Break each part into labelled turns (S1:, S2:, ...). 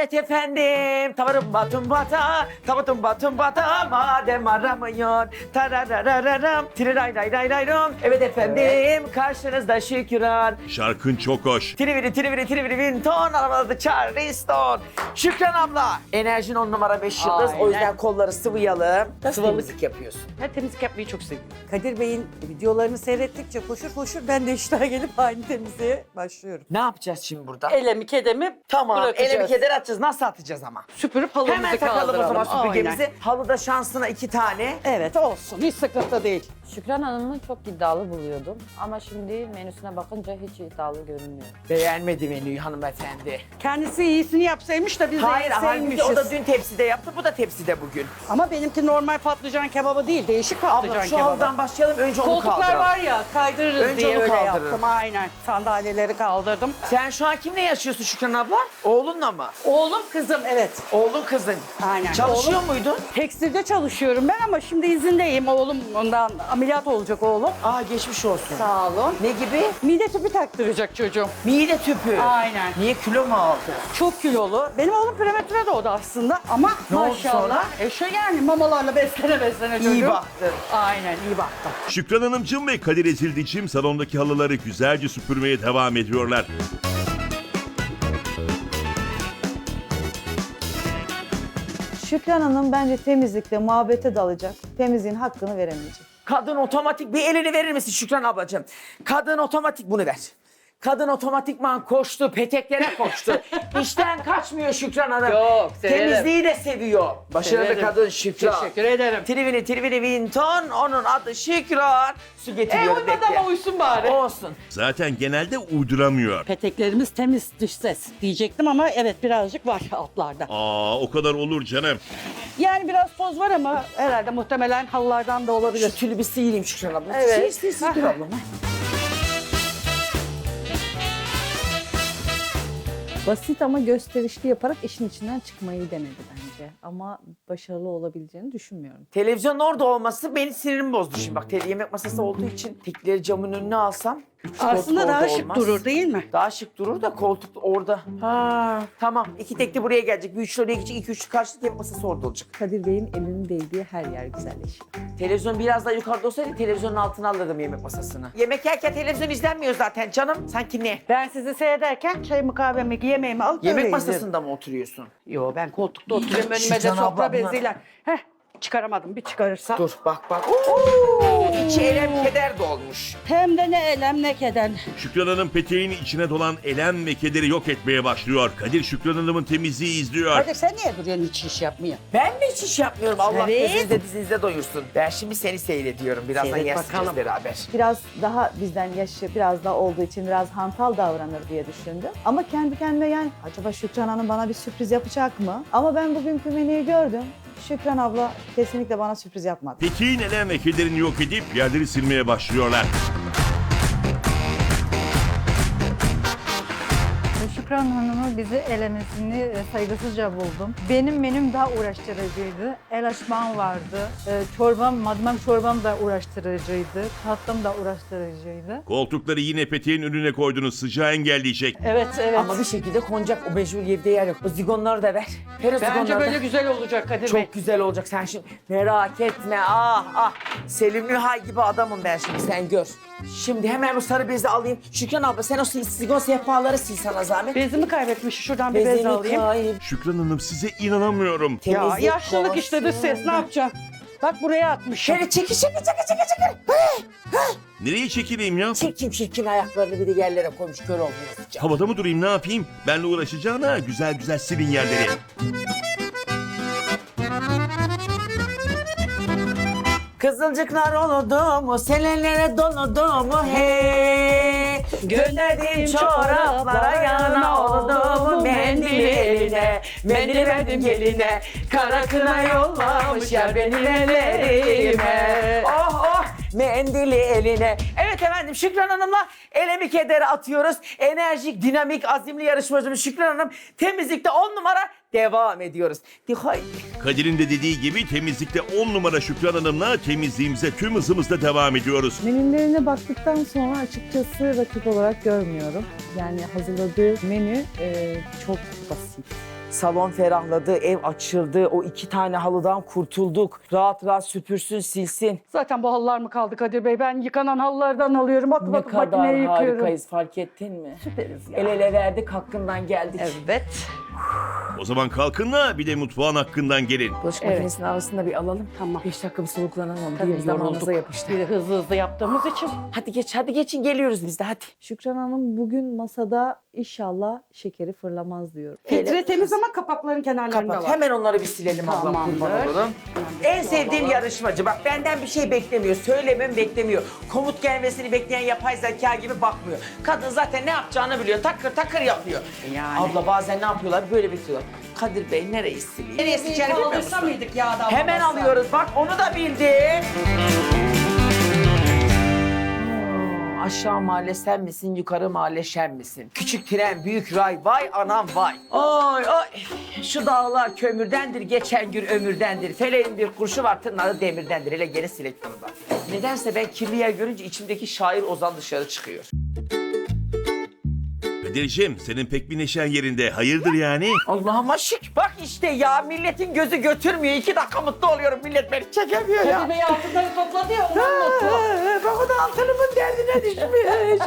S1: Evet efendim. Tavarım batım bata, tavatım batım bata, madem aramıyor. Tararararam, tiriray ray ray ray ram. Evet efendim, karşınızda Şükran.
S2: Şarkın çok hoş.
S1: Triviri triviri triviri vinton, arabada Charleston. Şükran abla, enerjin 10 numara 5 yıldız.
S3: Aynen.
S1: O yüzden kolları sıvayalım. Nasıl
S3: Sıvalık.
S1: temizlik yapıyorsun?
S3: Ben temizlik yapmayı çok seviyorum.
S4: Kadir Bey'in videolarını seyrettikçe koşur koşur ben de iştah gelip aynı temizliğe başlıyorum.
S1: Ne yapacağız şimdi burada?
S3: Elemi kedemi
S1: Tamam,
S3: bırakacağız.
S1: elemi keder atacağız. Nasıl atacağız ama?
S3: Süpürüp halımızı
S1: Hemen takalım o
S3: kaldıralım.
S1: zaman süpürgemizi.
S3: Aynen.
S1: Halıda şansına 2 tane.
S4: Evet olsun hiç sıkıntı değil.
S5: Şükran Hanım'ı çok iddialı buluyordum ama şimdi menüsüne bakınca hiç iddialı görünmüyor.
S1: Beğenmedi menüyü hanımefendi.
S4: Kendisi iyisini yapsaymış da biz de
S1: Hayır, halbuki
S4: yeseymişiz.
S1: o da dün tepside yaptı, bu da tepside bugün.
S4: Ama benimki normal patlıcan kebabı değil, değişik patlıcan
S1: Abla şu
S4: kebabı.
S1: halıdan başlayalım, önce onu
S4: Koltuklar
S1: kaldıralım.
S4: var ya kaydırırız
S1: Önce
S4: diye
S1: onu
S4: öyle
S1: kaldırırım.
S4: yaptım aynen. Sandalyeleri kaldırdım.
S1: Sen şu an kimle yaşıyorsun Şükran abla? Oğlunla mı?
S4: Oğlum kızım evet.
S1: Oğlun kızın.
S4: Aynen.
S1: Çalışıyor muydun?
S4: Tekstilde çalışıyorum ben ama şimdi izindeyim. Oğlum ondan ameliyat olacak oğlum.
S1: Aa, geçmiş olsun.
S4: Sağ olun.
S1: Ne gibi?
S4: Mide tüpü taktıracak çocuğum.
S1: Mide tüpü.
S4: Aynen.
S1: Niye, kilo mu aldı?
S4: Çok kilolu. Benim oğlum prematüre doğdu aslında ama
S1: Ne oldu
S4: maşallah.
S1: sonra?
S4: Şu yani mamalarla beslene çocuğum.
S1: İyi baktın.
S4: Aynen iyi baktım.
S2: Şükran Hanımcığım ve Kadir Ezildiçim salondaki halıları güzelce süpürmeye devam ediyorlar.
S6: Şükran Hanım bence temizlikte muhabbete dalacak. Temizliğin hakkını veremeyecek.
S1: Kadın otomatik, bir elini verir misin Şükran ablacığım? Kadın otomatik, bunu ver. Kadın otomatikman koştu, peteklere koştu. İşten kaçmıyor Şükran Hanım.
S3: Yok, severim.
S1: Temizliği de seviyor. Başarılı
S3: Severim.
S1: kadın Şükran.
S3: Teşekkür ederim.
S1: Trivini trivini vinton, onun adı Şükran. Su getiriyorum,
S3: Uymadı
S1: bekle.
S3: ama uysun bari.
S1: Olsun.
S2: Zaten genelde uyduramıyor.
S4: Peteklerimiz temiz dış ses diyecektim ama evet birazcık var altlarda.
S2: Aa, o kadar olur canım.
S4: Yani biraz toz var ama herhalde muhtemelen halılardan da olabilir.
S1: Şu tülü bir sıyırayım Şükran abla.
S4: Evet.
S1: Sıyır dur ablam.
S6: Basit ama gösterişli yaparak işin içinden çıkmayı denedi bence. Ama başarılı olabileceğini düşünmüyorum.
S1: Televizyonun orada olması beni sinirimi bozdu şimdi. Bak, yemek masası olduğu için tekleri camın önüne alsam. üç koltuk
S4: Aslında daha
S1: orada
S4: şık
S1: olmaz.
S4: durur değil mi?
S1: Daha şık durur da koltuk orada. Ha, tamam. 2 tekli buraya gelecek. Bir üçlü oraya gidecek. 2 üçlü karşılık yemek masası orada olacak.
S6: Kadir Bey'in elinin değdiği her yer güzelleşiyor.
S1: Televizyon biraz daha yukarıda olsaydı televizyonun altına alırdım yemek masasını. Yemek yerken televizyon izlenmiyor zaten canım. Sanki ne?
S4: Ben sizi seyrederken çayımı kahvemi yemeğimi alıp
S1: Yemek
S4: öyle
S1: masasında mı oturuyorsun?
S4: izlerim. Yo ben koltukta oturuyorum önüme de
S1: Şükran abla,
S4: sofra
S1: bunlar-
S4: beziyle. Heh çıkaramadım bir çıkarırsam.
S1: Dur bak. Oo, içi elem keder dolmuş.
S4: Hem de ne elem ne keder.
S2: Şükran Hanım peteğin içine dolan elem ve kederi yok etmeye başlıyor. Kadir Şükran Hanım'ın temizliği izliyor.
S4: Hadi sen niye duruyorsun hiç iş yapmıyor?
S1: Ben de hiç iş yapmıyorum. Allah
S4: Evet.
S1: gözünüzde dizinizde doyursun. Ben şimdi seni seyrediyorum. Birazdan
S4: Seyret
S1: yersiniz
S4: bakalım.
S1: beraber.
S6: Biraz daha bizden yaşı biraz daha olduğu için biraz hantal davranır diye düşündüm. Ama kendi kendime yani acaba Şükran Hanım bana bir sürpriz yapacak mı? Ama ben bugünkü menüyü gördüm. Şükran abla kesinlikle bana sürpriz yapmadı.
S2: Peteğin elem ve kederini yok edip yerleri silmeye başlıyorlar.
S7: Şükran Hanım'ı bizi elemesini saygısızca buldum. Benim menüm daha uğraştırıcıydı. El açmam vardı. Çorbam, madımak çorbam da uğraştırıcıydı. Tatlım da uğraştırıcıydı.
S2: Koltukları yine peteğin önüne koydunuz, sıcağı engelleyecek.
S4: Evet evet.
S1: Ama bir şekilde konacak. O mecbur evde yer yok. O zigonları da ver. Ver o
S4: Bence
S1: zigonları
S4: böyle
S1: da.
S4: güzel olacak Kadir Bey.
S1: Çok güzel olacak. Sen şimdi merak etme. Selim Nühay gibi adamım ben şimdi. Sen gör. Şimdi hemen bu sarı bezi alayım. Şükran abla sen o sigon sehpaları sil sana zahmet.
S4: Bezimi kaybetmiş. Şuradan bir bez
S1: Bezini
S4: alayım.
S1: kayıp.
S2: Şükran Hanım size inanamıyorum.
S4: Ya
S1: Temizlik
S4: yaşlılık işte dış ses ne yapacaksın? Bak buraya atmışım.
S1: Şöyle çekil.
S2: Nereye çekileyim ya?
S1: Çirkin ayaklarını bir de yerlere koymuş, kör olmuyor.
S2: Havada mı durayım, ne yapayım? Benle uğraşacağına güzel güzel silin yerleri.
S1: Kızılcıklar oludu mu, selelere doludu mu hey. Gönderdiğim çoraplara yana oldu mu, mendili eline. Mendili verdim geline, kara kına yollamış yer benim ellerime. Oh mendili eline. Evet efendim, Şükran Hanım'la elemi kederi atıyoruz. Enerjik, dinamik, azimli yarışmacımız Şükran Hanım temizlikte 10 numara devam ediyoruz. Haydi.
S2: Kadir'in de dediği gibi temizlikte 10 numara Şükran Hanım'la temizliğimize tüm hızımızla devam ediyoruz.
S6: Menülerine baktıktan sonra açıkçası rakip olarak görmüyorum. Yani hazırladığı menü çok basit.
S1: Salon ferahladı, ev açıldı. O 2 tane halıdan kurtulduk. Rahat rahat süpürsün, silsin.
S3: Zaten bu halılar mı kaldı Kadir Bey? Ben yıkanan halılardan alıyorum. Atıp
S1: Ne
S3: atıp
S1: kadar
S3: makineye yıkıyorum.
S1: harikayız, fark ettin mi?
S3: Süperiz ya.
S1: El ele verdik, hakkından geldik.
S3: Evet.
S2: O zaman kalkın da bir de mutfağın hakkından gelin.
S1: Bulaşık
S3: Evet.
S1: makinesinin havasını da bir alalım.
S3: Tamam.
S1: 5 dakika bir soluklanalım.
S3: Tabii
S1: Diğer zamanımıza
S3: yorulduk.
S1: yapıştı.
S3: Bir de hızlı hızlı yaptığımız için.
S1: Hadi geçin geliyoruz biz de hadi.
S6: Şükran Hanım bugün masada inşallah şekeri fırlamaz diyorum.
S3: Filtre temiz ama kapakların kenarlarında
S1: Kapat.
S3: var.
S1: Hemen onları bir silelim ablam.
S3: Tamamdır.
S1: Kurban olurum. En sevdiğim yarışmacı. Bak benden bir şey beklemiyor. Söylemem beklemiyor. Komut gelmesini bekleyen yapay zeka gibi bakmıyor. Kadın zaten ne yapacağını biliyor. Takır takır yapıyor.
S3: Yani.
S1: Abla bazen ne yapıyorlar? Böyle bekliyorlar. Kadir Bey nereyi sileyim? Nereye sileceğini bilmiyor musun?
S3: mıydık yağdan?
S1: Hemen alıyoruz. Bak onu da bildi. Aşağı mahalle sen misin, yukarı mahalle şen misin? Küçük tren, büyük ray, vay anam vay. Oy oy, şu dağlar kömürdendir, geçen gün ömürdendir. Feleğin bir kurşu var, tırnağı demirdendir. Hele geri silek bunu da. Nedense ben kirli yer görünce içimdeki şair Ozan dışarı çıkıyor.
S2: Kadir'cim senin pek bir neşen yerinde. Hayırdır yani?
S1: Allah'ıma şık. Bak işte ya, milletin gözü götürmüyor. 2 dakika mutlu oluyorum, millet beni çekemiyor ya.
S3: Kadir Bey altınları topladı ya ondan mutlu.
S1: Bak o da altınımın derdine düşmüş.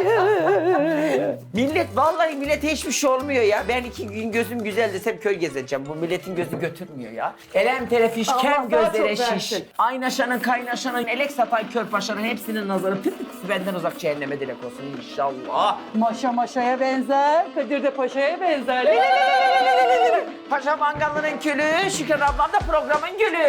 S1: Vallahi millete hiçbir şey olmuyor ya. Ben 2 gün gözüm güzel desem köy gezeceğim. Bu milletin gözü götürmüyor ya. Elem terefiş,
S3: Allah
S1: kem
S3: daha
S1: gözlere
S3: çok
S1: şiş.
S3: versin.
S1: Aynaşanın, kaynaşanın, elek satan körpaşanın hepsinin nazarı pütüksü benden uzak cehenneme dilek olsun inşallah.
S3: Maşa maşaya benzer. Kadir de paşaya benzer.
S1: Paşa mangalının külü, Şükran ablam da programın gülü.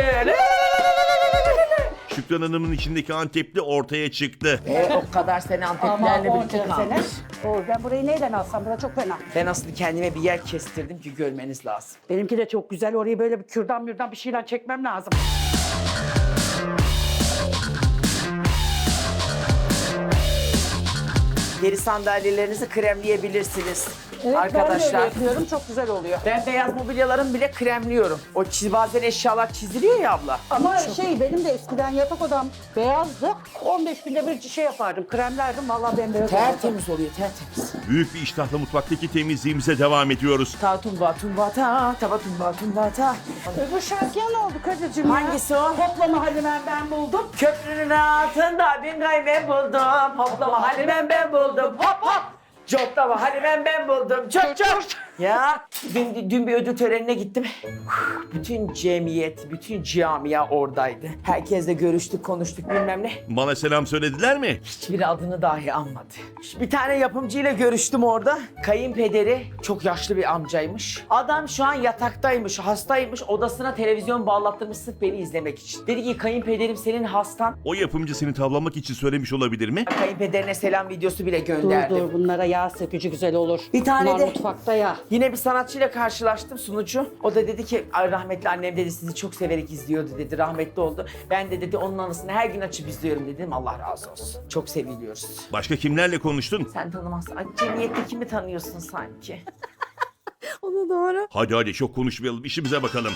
S2: Şükran Hanım'ın içindeki Antepli ortaya çıktı.
S1: O kadar sene Anteplerle birlikte kalmış.
S3: Ben burayı neyden alsam? Bura çok fena.
S1: Ben aslında kendime bir yer kestirdim ki görmeniz lazım.
S3: Benimki de çok güzel. Orayı böyle bir kürdan bir şeyler çekmem lazım.
S1: Deri sandalyelerinizi kremleyebilirsiniz.
S3: Evet,
S1: arkadaşlar.
S3: ben de öyle yapıyorum. Çok güzel oluyor.
S1: Ben beyaz mobilyalarımı bile kremliyorum. Bazen eşyalar çiziliyor ya abla.
S3: Ama benim de eskiden yatak odam beyazdı. 15 günde bir şey yapardım. Kremlerdim. Vallahi bembeyaz olurdu.
S1: Tertemiz oluyor, tertemiz.
S2: Büyük bir iştahla mutfaktaki temizliğimize devam ediyoruz.
S1: Ta tumba tumba ta, taba tumba tumba ta.
S3: Bu şarkıya ne oldu Kadir'cim ya?
S1: Hangisi o?
S3: Toplama Halimen ben buldum.
S1: Köprünün altında bin gaybe buldum. Hoplama Halimen ben buldum. Hop hop. Coplama Halimen ben buldum. Çök çök. Ya dün bir ödül törenine gittim. Bütün cemiyet, bütün camia oradaydı. Herkesle görüştük, konuştuk bilmem ne.
S2: Bana selam söylediler mi?
S1: Hiçbir adını dahi anmadı. Bir tane yapımcıyla görüştüm orada. Kayınpederi çok yaşlı bir amcaymış. Adam şu an yataktaymış, hastaymış. Odasına televizyon bağlattırmış sırf beni izlemek için. Dedi ki kayınpederim senin hastan.
S2: O yapımcı seni tavlamak için söylemiş olabilir mi?
S1: Kayınpederine selam videosu bile gönderdim.
S3: Bunlara yağ sökücü güzel olur.
S1: Bir tane
S3: Bunlar
S1: de-
S3: mutfakta ya.
S1: Yine bir sanatçıyla karşılaştım, sunucu. O da dedi ki "Ay, rahmetli annem dedi sizi çok severek izliyordu dedi. Rahmetli oldu. Ben de dedi onun anısını her gün açıp izliyorum dedim. Allah razı olsun. Çok seviliyoruz.
S2: Başka kimlerle konuştun?
S1: Sen tanımazsın. Ay cemiyette kimi tanıyorsun sanki?
S6: O da doğru.
S2: Hadi çok konuşmayalım, işimize bakalım.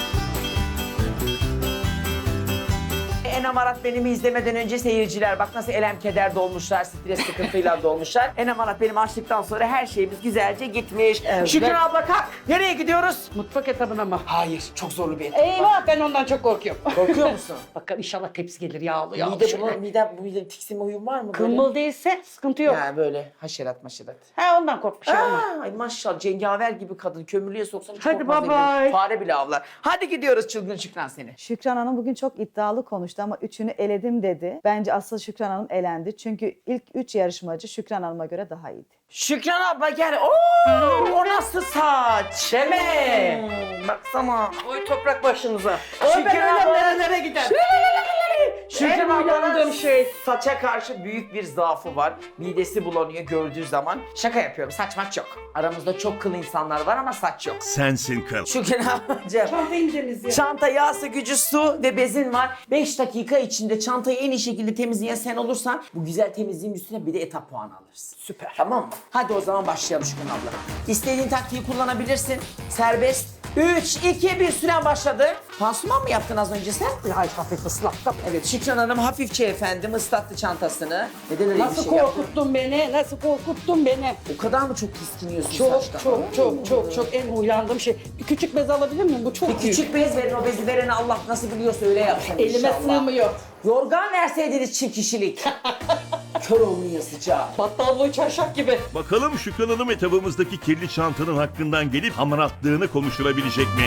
S1: Enem Arat benimi izlemeden önce seyirciler bak nasıl elem keder dolmuşlar, stres sıkıntıyla dolmuşlar. Enem Arat benim açtıktan sonra her şeyimiz güzelce gitmiş. Şükran abla kalk. Nereye gidiyoruz?
S3: Mutfak etabına mı?
S1: Hayır, çok zorlu bir et.
S3: Eyvah ben ondan çok korkuyorum.
S1: Korkuyor musun?
S3: Bakın inşallah tepsi gelir yağlı yağlı.
S1: Mide tiksinme huyun var mı?
S3: Kımbıl değilse sıkıntı yok.
S1: Yani böyle haşerat maşerat.
S3: Ondan korkmuşum ama.
S1: Ay maşallah cengaver gibi kadın. Kömürlüğe soksan hiç
S3: Hadi
S1: korkmaz
S3: bye bye.
S1: eminim. Fare bile avlar. Hadi gidiyoruz çılgın Şükran seni.
S6: Şükran Hanım bugün çok iddialı konuştu ama 3'ünü eledim dedi. Bence asıl Şükran Hanım elendi. Çünkü ilk 3 yarışmacı Şükran Hanım'a göre daha iyiydi.
S1: Şükran abla gel. Oo, o nasıl saç? Deme. Baksana.
S3: Oy toprak başınıza.
S1: Şükran abla.
S3: nerelere gider.
S1: Şükran
S3: En
S1: ablanın
S3: uyandığım şey.
S1: saça karşı büyük bir zaafı var. Midesi bulanıyor gördüğü zaman. Şaka yapıyorum, saç maç yok. Aramızda çok kıl insanlar var ama saç yok.
S2: Sensin kıl.
S1: Şükran ablacığım.
S3: Çantayı temizliyor.
S1: Çanta, yağsı, gücü, su ve bezin var. 5 dakika içinde çantayı en iyi şekilde temizleyen sen olursan bu güzel temizliğin üstüne bir de etap puanı alırsın.
S3: Süper.
S1: Tamam mı? Hadi o zaman başlayalım Şükran abla. İstediğin taktiği kullanabilirsin. Serbest. 3, 2, 1 süren başladı. Pansuman mı yaptın az önce sen?
S3: Ay hafif ıslattım.
S1: Evet, Şükran Hanım hafifçe efendim ıslattı çantasını. Neden öyle
S3: Nasıl
S1: bir şey yaptın?
S3: korkuttun beni? Nasıl korkuttun beni?
S1: O kadar mı çok tiskiniyorsun
S3: Çok
S1: saçtan?
S3: çok en uyandığım şey. Bir küçük bez alabilir miyim? Bu çok
S1: Bir
S3: büyük.
S1: küçük bez verin, o bezi vereni Allah nasıl biliyorsa öyle yapsın
S3: Elime
S1: inşallah.
S3: sığmıyor.
S1: Yorgan verseydiniz çift kişilik. Kör olmuyor sıcağı.
S3: Battallığı çarşaf gibi.
S2: Bakalım Şükran Hanım etabımızdaki kirli çantanın hakkından gelip hamaratlığını konuşturabilecek mi?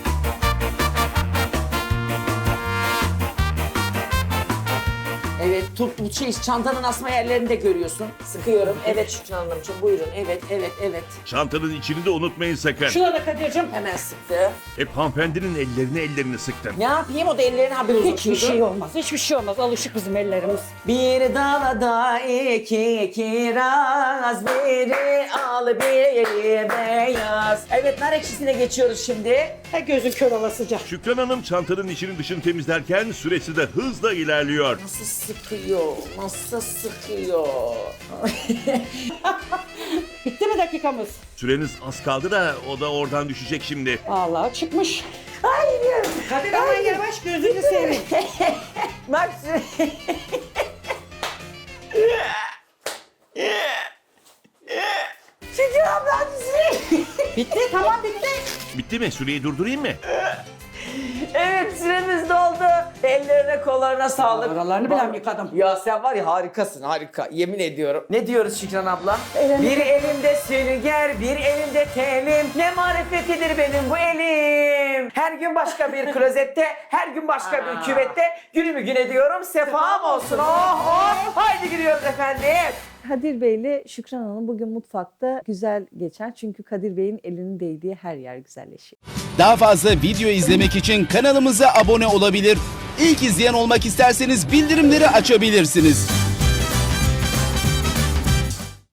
S1: Evet, bu çantanın asma yerlerini de görüyorsun. Sıkıyorum. Evet Şükran Hanımcığım buyurun. Evet.
S2: Çantanın içini de unutmayın sakın.
S3: Şuna da Kadir'cim.
S1: Hemen sıktı.
S2: Hep hanımefendinin ellerini sıktın.
S1: Ne yapayım, o da ellerini haber uzatıyordu.
S3: Hiçbir şey olmaz. Hiçbir şey olmaz. Alışık bizim ellerimiz.
S1: Bir dalada iki kiraz, biri al biri beyaz. Evet, nar ekşisine geçiyoruz şimdi.
S3: Ha gözün kör olasıca.
S2: Şükran Hanım çantanın içini dışını temizlerken süresi de hızla ilerliyor.
S1: Nasıl sıkıyor.
S3: Bitti mi dakikamız?
S2: Süreniz az kaldı da o da oradan düşecek şimdi.
S3: Vallahi çıkmış.
S1: Hayır.
S3: Kadir aman yavaş gözünü seveyim.
S1: Bak Şükran abla
S3: Bitti tamam bitti.
S2: Bitti mi? Süreyi durdurayım mı?
S1: Evet, süremiz doldu. Ellerine kollarına sağlık.
S3: Aralarını bilen yıkadım.
S1: Ya sen var ya harikasın, harika. Yemin ediyorum. Ne diyoruz Şükran abla? Bir elimde sünger, bir elimde telim. Ne marifetidir benim bu elim. Her gün başka bir klozette, her gün başka bir küvette. Günümü gün ediyorum, sefam olsun. Oh. Haydi giriyoruz efendim.
S6: Kadir Bey ile Şükran Hanım bugün mutfakta güzel geçer. Çünkü Kadir Bey'in elinin değdiği her yer güzelleşiyor.
S8: Daha fazla video izlemek için kanalımıza abone olabilir. İlk izleyen olmak isterseniz bildirimleri açabilirsiniz.